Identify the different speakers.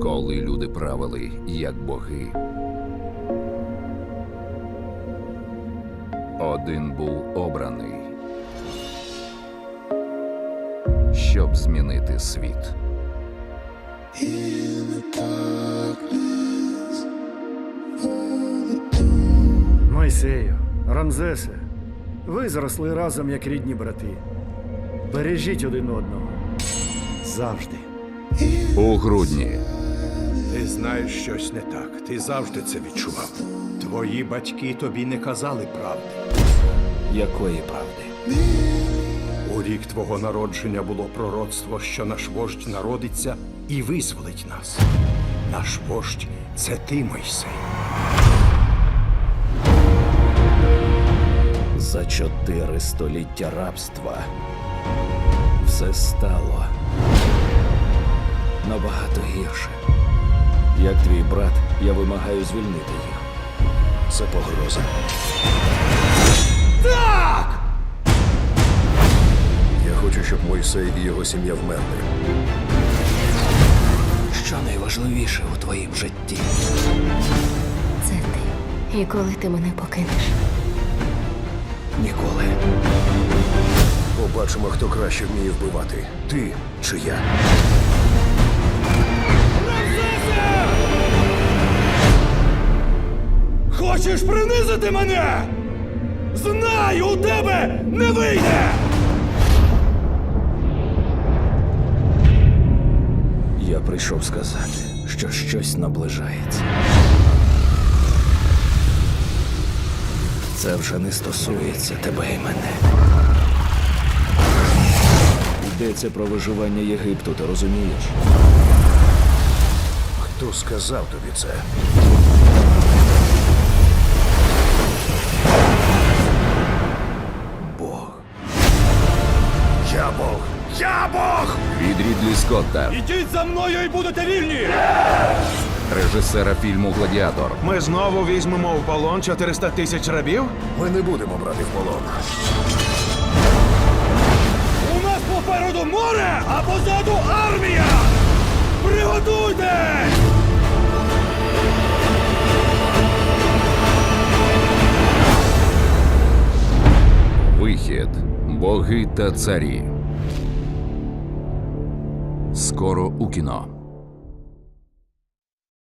Speaker 1: коли люди правили як боги. Один був обраний, щоб змінити світ.
Speaker 2: Мойсею, Рамзесе, ви зросли разом як рідні брати. Бережіть один одного. Завжди.
Speaker 1: У грудні
Speaker 3: Ти знаєш, щось не так. Ти завжди це відчував. Твої батьки тобі не казали правди.
Speaker 4: Якої правди?
Speaker 3: У рік твого народження було пророцтво, що наш вождь народиться і визволить нас. Наш вождь – це ти, Мойсей.
Speaker 4: За 4 століття рабства все стало набагато гірше. Як твій брат, я вимагаю звільнити їх. Це погроза.
Speaker 5: Я хочу, щоб Мойсей і його сім'я вмерли.
Speaker 4: Що найважливіше у твоїм житті?
Speaker 6: Це ти. І коли ти мене покинеш?
Speaker 4: Ніколи.
Speaker 5: Побачимо, хто краще вміє вбивати. Ти чи я.
Speaker 4: Хочеш принизити мене? Знаю, у тебе не вийде! Я прийшов сказати, що щось наближається. Це вже не стосується тебе і мене. Йдеться про виживання Єгипту, ти розумієш?
Speaker 5: Хто сказав тобі це?
Speaker 4: Бог.
Speaker 5: Я Бог! Я Бог!
Speaker 1: від Рідлі Скотта,
Speaker 4: Ідіть за мною і будете вільні!
Speaker 1: режисера фільму «Гладіатор»,
Speaker 7: Ми знову візьмемо в полон 400 тисяч рабів?
Speaker 5: Ми не будемо брати в полон.
Speaker 4: У нас попереду море, а позаду армія! Приготуйтесь!
Speaker 1: вихід, боги та царі. Скоро у кіно.